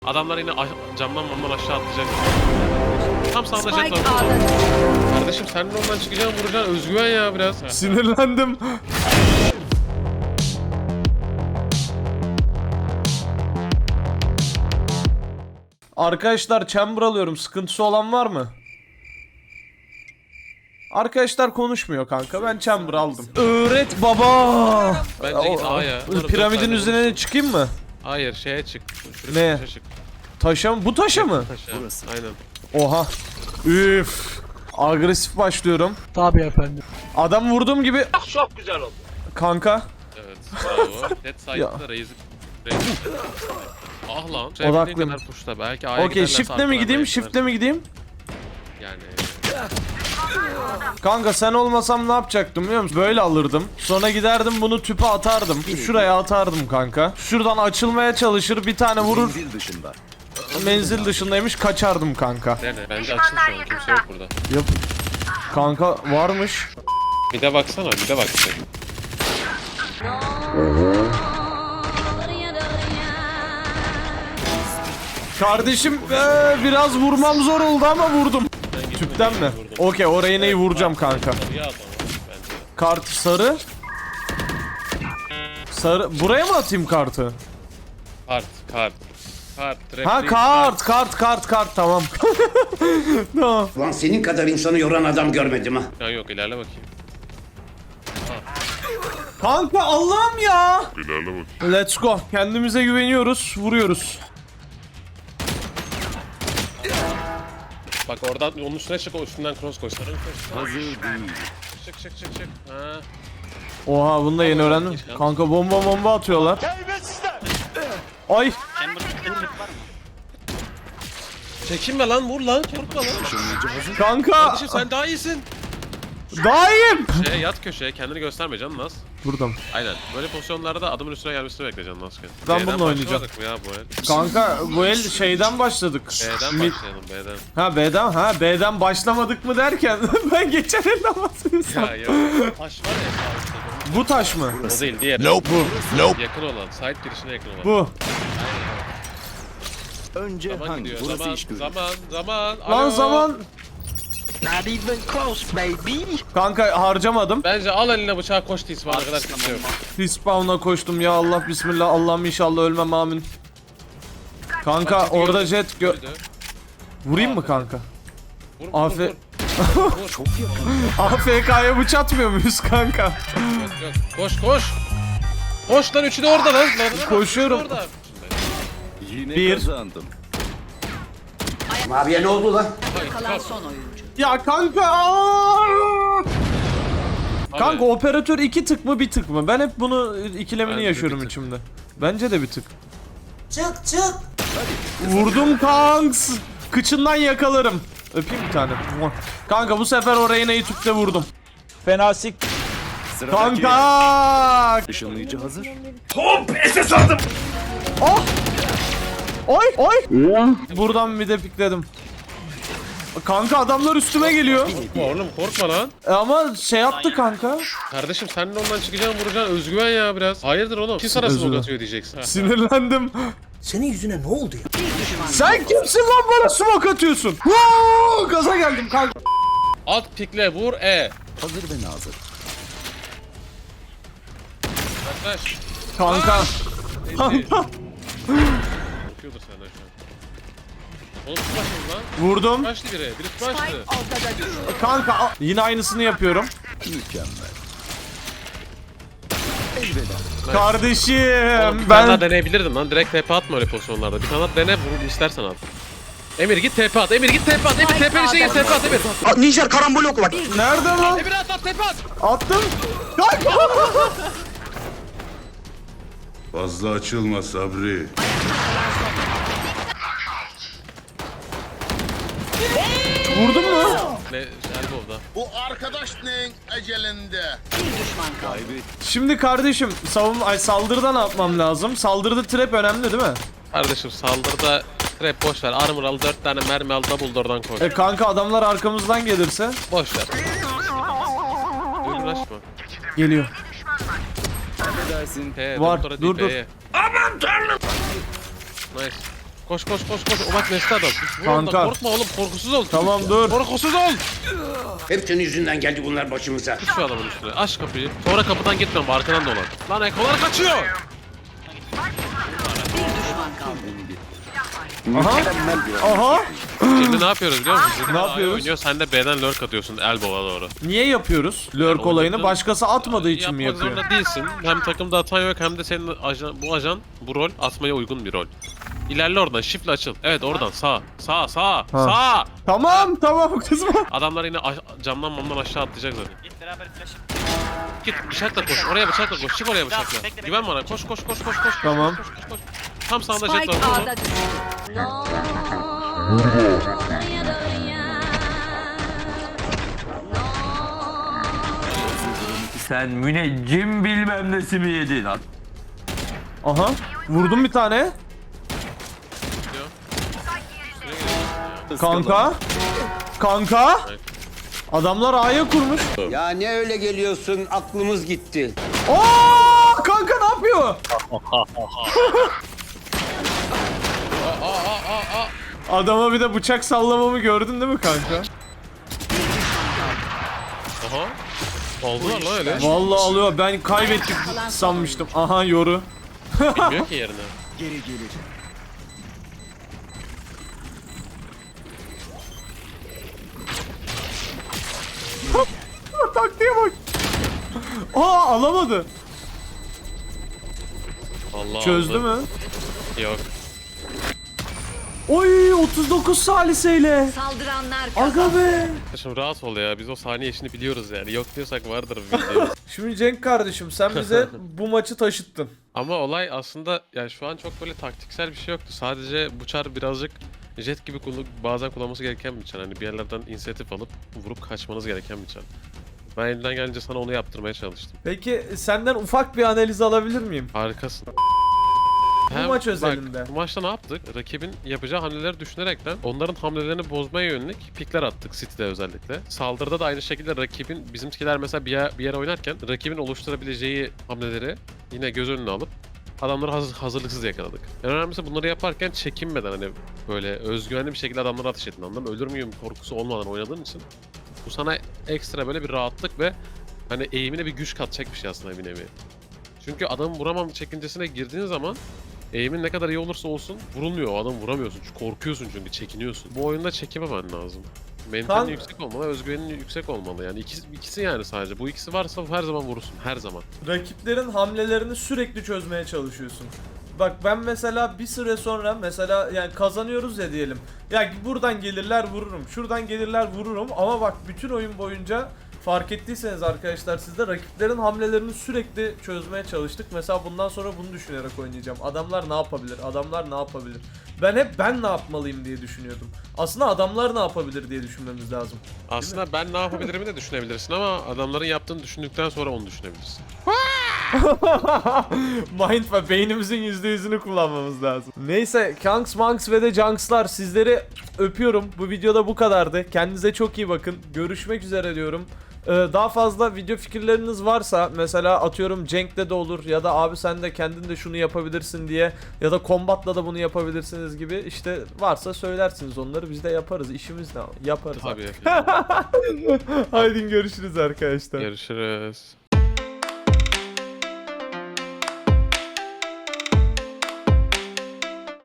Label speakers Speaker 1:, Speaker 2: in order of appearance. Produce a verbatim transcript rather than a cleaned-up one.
Speaker 1: Adamlar yine camdan camdan aşağı atlayacak. Tam sağda jet
Speaker 2: Spike
Speaker 1: var.
Speaker 2: A'da.
Speaker 1: Kardeşim sen de ondan çıkacaksın, vuracaksın. Özgüven ya biraz.
Speaker 3: Sinirlendim. Arkadaşlar chamber alıyorum. Sıkıntısı olan var mı? Arkadaşlar konuşmuyor kanka. Ben chamber aldım. Öğret baba.
Speaker 1: Bence git A'ya.
Speaker 3: Piramidin üzerine çıkayım mı?
Speaker 1: Hayır, şeye çık. Şurası
Speaker 3: Ne?
Speaker 1: taşa çık.
Speaker 3: Taşa mı? Bu taşa mı?
Speaker 1: Taşa. Aynen.
Speaker 3: Oha. Üf. Agresif başlıyorum.
Speaker 4: Tabii efendim.
Speaker 3: Adam vurduğum gibi.
Speaker 5: Çok güzel oldu.
Speaker 3: Kanka.
Speaker 1: Evet. Bravo. Dead side'da Raze'i. Ah lan.
Speaker 3: Odaklıyım.
Speaker 1: Kadar push'ta. Belki A'ya
Speaker 3: Okey,
Speaker 1: giderlerse
Speaker 3: shift'le mi
Speaker 1: arkadan
Speaker 3: gideyim?
Speaker 1: B'ye
Speaker 3: Shift'le
Speaker 1: gidersin.
Speaker 3: mi gideyim?
Speaker 1: Yani.
Speaker 3: Kanka sen olmasam ne yapacaktım biliyor musun? Böyle alırdım. Sonra giderdim bunu tüpe atardım. Şuraya atardım kanka. Şuradan açılmaya çalışır, bir tane vurur.
Speaker 6: Menzil dışında.
Speaker 3: Menzil dışındaymış, kaçardım kanka.
Speaker 1: Dene. Bence açıl şu an. Kimse yok burada.
Speaker 3: Yap. Kanka varmış.
Speaker 1: Bir de baksana. Bir de bak.
Speaker 3: Kardeşim ee, biraz vurmam zor oldu ama vurdum. Tüpten mi? Okey, oraya neyi vuracağım kanka.
Speaker 1: Ya adam bence.
Speaker 3: Kart sarı. Sarı. Buraya mı atayım kartı?
Speaker 1: Kart. Kart. Kart. trap
Speaker 3: Ha
Speaker 1: değil,
Speaker 3: kart kart kart kart tamam. Tamam.
Speaker 6: Lan senin kadar insanı yoran adam görmedim ha.
Speaker 1: Ya yok, ilerle bakayım.
Speaker 3: Kanka Allah'ım ya.
Speaker 1: İlerle bakayım.
Speaker 3: Let's go. Kendimize güveniyoruz. Vuruyoruz.
Speaker 1: Bak oradan onun üstüne çık, o üstünden cross koy. Sarı koy.
Speaker 6: Hazır değil.
Speaker 1: Çık çık çık çık. Ha.
Speaker 3: Oha, bunu da yeni öğrendim. Kanka bomba bomba atıyorlar. Ay.
Speaker 1: Çekinme lan, vur lan, korkma lan.
Speaker 3: Kanka.
Speaker 1: Kardeşim sen daha iyisin.
Speaker 3: Daim.
Speaker 1: Şeye yat köşeye, kendini gösterme canım Naz.
Speaker 3: Buradan.
Speaker 1: Aynen. Böyle pozisyonlarda adamın üstüne gelmesini bekleyeceksin Nazken.
Speaker 3: Ben
Speaker 1: B'den
Speaker 3: bununla oynayacağım.
Speaker 1: başlamadık mı ya bu el?
Speaker 3: Kanka bu el şeyden başladık.
Speaker 1: B'den
Speaker 3: Mi-
Speaker 1: başlayalım, B'den.
Speaker 3: Ha B'den ha B'den başlamadık mı derken ben geçen elden bahsediyorsam.
Speaker 1: Ya ya. Taş var ya.
Speaker 3: Bu taş mı?
Speaker 1: O değil, diğer.
Speaker 3: Bu. Nope.
Speaker 1: Yakın olan, side girişine yakın olan.
Speaker 3: Bu.
Speaker 6: Önce
Speaker 1: Zaman
Speaker 6: hangi?
Speaker 1: gidiyor,
Speaker 6: Burası
Speaker 1: zaman,
Speaker 6: iş görür.
Speaker 1: zaman, zaman.
Speaker 3: Lan
Speaker 1: Alo.
Speaker 3: zaman.
Speaker 5: Not even close baby.
Speaker 3: Kanka harcamadım.
Speaker 1: Bence al eline bıçağı, koş tisbana kadar kimse yok.
Speaker 3: Respawn'a koştum ya Allah bismillah. Allah'ım inşallah ölmem amin. Kanka
Speaker 1: Bak,
Speaker 3: orada
Speaker 1: gördüm.
Speaker 3: jet gö...
Speaker 1: Öldü.
Speaker 3: Vurayım mı kanka?
Speaker 1: Vur, vur,
Speaker 3: Afe-
Speaker 1: vur, vur.
Speaker 6: Çok yakın.
Speaker 3: A F K'ya bıçak atmıyor muyuz kanka?
Speaker 1: Yok yok. Koş koş. Koş lan, üçü de orada lan. Lan, lan,
Speaker 3: Koşuyorum.
Speaker 1: üçü de orada.
Speaker 6: Yine
Speaker 3: Bir.
Speaker 6: kazandım. Abiye ne oldu lan?
Speaker 2: Kalan son oyuncu.
Speaker 3: Ya kanka. aa!
Speaker 1: Abi,
Speaker 3: Kanka operatör iki tık mı bir tık mı? Ben hep bunu ikilemini
Speaker 1: Bence
Speaker 3: yaşıyorum
Speaker 1: bir tık.
Speaker 3: içimde. Bence de bir tık. Çık çık. Vurdum kanks. Kıçından yakalarım. Öpeyim bir tane. Muah. Kanka bu sefer oraya neyi tüpte vurdum.
Speaker 4: Fena sik.
Speaker 6: Sıradaki
Speaker 3: Kanka.
Speaker 6: ışınlayıcı hazır.
Speaker 3: Oy oy. Buradan bir de pikledim. Kanka adamlar üstüme geliyor.
Speaker 1: korkma oğlum, korkma lan.
Speaker 3: E ama şey yaptı kanka.
Speaker 1: Kardeşim sen de ondan çıkacaksın, vuracaksın. Özgüven ya biraz. Hayırdır oğlum? Kim sana
Speaker 3: Özgüven.
Speaker 1: smoke atıyor diyeceksin. Ha.
Speaker 3: Sinirlendim.
Speaker 7: Senin yüzüne ne oldu ya?
Speaker 3: Sen kimsin lan bana smoke atıyorsun? Woo! Gaza geldim kanka.
Speaker 1: Alt pikle, vur, E.
Speaker 6: Hazır ve nazır.
Speaker 1: Yaklaş.
Speaker 3: Kanka.
Speaker 1: Kanka. Bakıyordur senden şu an. Oğlum tutmaşınız lan.
Speaker 3: Vurdum.
Speaker 1: Tutmaştı biri. Biri tutmaştı.
Speaker 2: Spike ortada düştü.
Speaker 3: Kanka a- yine aynısını yapıyorum.
Speaker 6: Mükemmel. Elveda.
Speaker 3: Kardeşim
Speaker 1: Oğlum, bir tane daha
Speaker 3: ben
Speaker 1: deneyebilirdin lan. Direkt T P atma öyle pozisyonlarda. Bir tane daha dene, vur istersen at. Emir git T P at. Emir git T P at. Emir T P'nin içine git T P at Emir.
Speaker 7: Ninja karambol oku bak.
Speaker 3: nerede lan?
Speaker 1: Emir at at T P at.
Speaker 3: Attım. Kanka.
Speaker 8: Fazla açılma Sabri.
Speaker 3: Vurdun mu?
Speaker 1: Ne? Elbow'da.
Speaker 8: Bu arkadaş neyin ecelinde?
Speaker 2: Bir düşman kaldı.
Speaker 6: Kaybet.
Speaker 3: Şimdi kardeşim savun ay saldırıda ne yapmam lazım? Saldırıda trap önemli değil mi?
Speaker 1: Kardeşim saldırıda trap boş ver. Armor al, dört tane mermi al, double door'dan koş.
Speaker 3: E kanka adamlar arkamızdan gelirse
Speaker 1: Boş ver. Uğraşma.
Speaker 3: geliyor.
Speaker 6: Ne dersin?
Speaker 1: P,
Speaker 3: Var,
Speaker 1: doktora
Speaker 3: dur,
Speaker 1: değil,
Speaker 3: dur.
Speaker 1: P'ye. Aman tanrım. Nice. Koş koş koş koş. O bak Nesli adam. Vur
Speaker 3: Kanka.
Speaker 1: ondan, korkma oğlum, korkusuz ol.
Speaker 3: Tamam dur.
Speaker 1: Korkusuz ol.
Speaker 7: Hep senin yüzünden geldi bunlar başımıza.
Speaker 1: Tut şu adamın üstüne. Aç kapıyı. Sonra kapıdan gitme, arkadan dolan. Lan ekolar kaçıyor.
Speaker 2: Bir düşman kaldı.
Speaker 3: Aha. Aha.
Speaker 1: Şimdi ne yapıyoruz biliyor musun? Şimdi
Speaker 3: Ne
Speaker 1: A
Speaker 3: yapıyoruz?
Speaker 1: Oynuyor, sen de B'den lurk atıyorsun elbow'a doğru.
Speaker 3: Niye yapıyoruz? Lurk olayını başkası atmadığı için mi
Speaker 1: Yapmak
Speaker 3: yapıyor?
Speaker 1: zorunda değilsin. Hem takımda atan yok hem de senin ajan, bu ajan bu rol atmaya uygun bir rol. İlerle oradan, shift'le açıl. Evet oradan sağ, sağ, sağ, sağ.
Speaker 3: Tamam tamam kızma.
Speaker 1: Adamlar yine aş- camdan mamdan aşağı atlayacak zaten. Git beraber flash'ım. Git bıçakla koş, oraya bıçakla koş, çık oraya bıçakla. Güven bana, koş koş koş koş koş.
Speaker 3: Tamam.
Speaker 1: Koş, koş, koş. Tam sağında jet
Speaker 2: Spike
Speaker 1: var. vur onu.
Speaker 2: A'da düştü.
Speaker 5: Sen müneccim bilmem nesi mi yedin?
Speaker 3: Aha. Vurdum bir tane. Kanka. Kanka. Adamlar A'ya kurmuş.
Speaker 7: Ya ne öyle geliyorsun aklımız gitti.
Speaker 3: Oo! Kanka ne yapıyor? Adama bir de bıçak sallamamı gördün değil mi kanka?
Speaker 1: Aha. Oldular lan öyle.
Speaker 3: Vallahi alıyor. Ben kaybettik sanmıştım. Aha yoru.
Speaker 1: Bilmiyor ki yerine.
Speaker 3: Taktiğe bak. Aa alamadı.
Speaker 1: Allah
Speaker 3: Çözdü
Speaker 1: aldı.
Speaker 3: mü?
Speaker 1: Yok.
Speaker 3: Oy otuz dokuz saliseyle.
Speaker 2: Saldıranlar kazandı.
Speaker 3: Aga be.
Speaker 1: Şimdi rahat ol ya, biz o saniye işini biliyoruz yani. Yok diyorsak vardır bir video.
Speaker 3: Şimdi Cenk kardeşim sen bize bu maçı taşıttın.
Speaker 1: Ama olay aslında yani şu an çok böyle taktiksel bir şey yoktu. Sadece bu çar birazcık jet gibi kullan- bazen kullanması gereken bir çar. Hani bir yerlerden inisiyatif alıp vurup kaçmanız gereken bir çar. Ben elimden gelince sana onu yaptırmaya çalıştım.
Speaker 3: Peki senden ufak bir analiz alabilir miyim?
Speaker 1: Harikasın.
Speaker 3: Bu maç özelinde.
Speaker 1: Bak, bu maçta ne yaptık? Rakibin yapacağı hamleleri düşünerekten onların hamlelerini bozmaya yönelik pikler attık City'de özellikle. Saldırıda da aynı şekilde rakibin, bizimkiler mesela bir yer, bir yere oynarken rakibin oluşturabileceği hamleleri yine göz önüne alıp adamları hazır, hazırlıksız yakaladık. En önemlisi bunları yaparken çekinmeden hani böyle özgüvenli bir şekilde adamlara ateş ettin, anladın mı? Ölür müyüm korkusu olmadan oynadığın için bu sana ekstra böyle bir rahatlık ve hani eğimine bir güç katacak bir şey aslında bir nevi. Çünkü adamın vuramam çekincesine girdiğin zaman eğimin ne kadar iyi olursa olsun vurulmuyor. O adamı vuramıyorsun. Çünkü korkuyorsun çünkü çekiniyorsun. Bu oyunda çekememen lazım. Mentalin
Speaker 3: Kan-
Speaker 1: yüksek olmalı, özgüvenin yüksek olmalı. Yani ikisi, ikisi yani sadece. Bu ikisi varsa her zaman vurursun. Her zaman.
Speaker 3: Rakiplerin hamlelerini sürekli çözmeye çalışıyorsun. Bak ben mesela bir süre sonra mesela yani kazanıyoruz ya diyelim. Ya buradan gelirler vururum, şuradan gelirler vururum ama bak bütün oyun boyunca fark ettiyseniz arkadaşlar siz de rakiplerin hamlelerini sürekli çözmeye çalıştık. Mesela bundan sonra bunu düşünerek oynayacağım. Adamlar ne yapabilir? Adamlar ne yapabilir? Ben hep ben ne yapmalıyım diye düşünüyordum. Aslında adamlar ne yapabilir diye düşünmemiz lazım.
Speaker 1: Aslında ben ne yapabilirimi de düşünebilirsin ama adamların yaptığını düşündükten sonra onu düşünebilirsin.
Speaker 3: Mind ve beynimizin yüzde yüzünü kullanmamız lazım. Neyse Kanks, Manks ve de Junks'lar sizleri öpüyorum. Bu videoda bu kadardı. Kendinize çok iyi bakın. Görüşmek üzere diyorum. Ee, daha fazla video fikirleriniz varsa mesela atıyorum Cenk'te de olur ya da abi sen de kendin de şunu yapabilirsin diye ya da Combat'la da bunu yapabilirsiniz gibi işte varsa söylersiniz onları biz de yaparız. İşimiz ne? Yaparız.
Speaker 1: Tabii.
Speaker 3: Haydi görüşürüz arkadaşlar.
Speaker 1: Görüşürüz.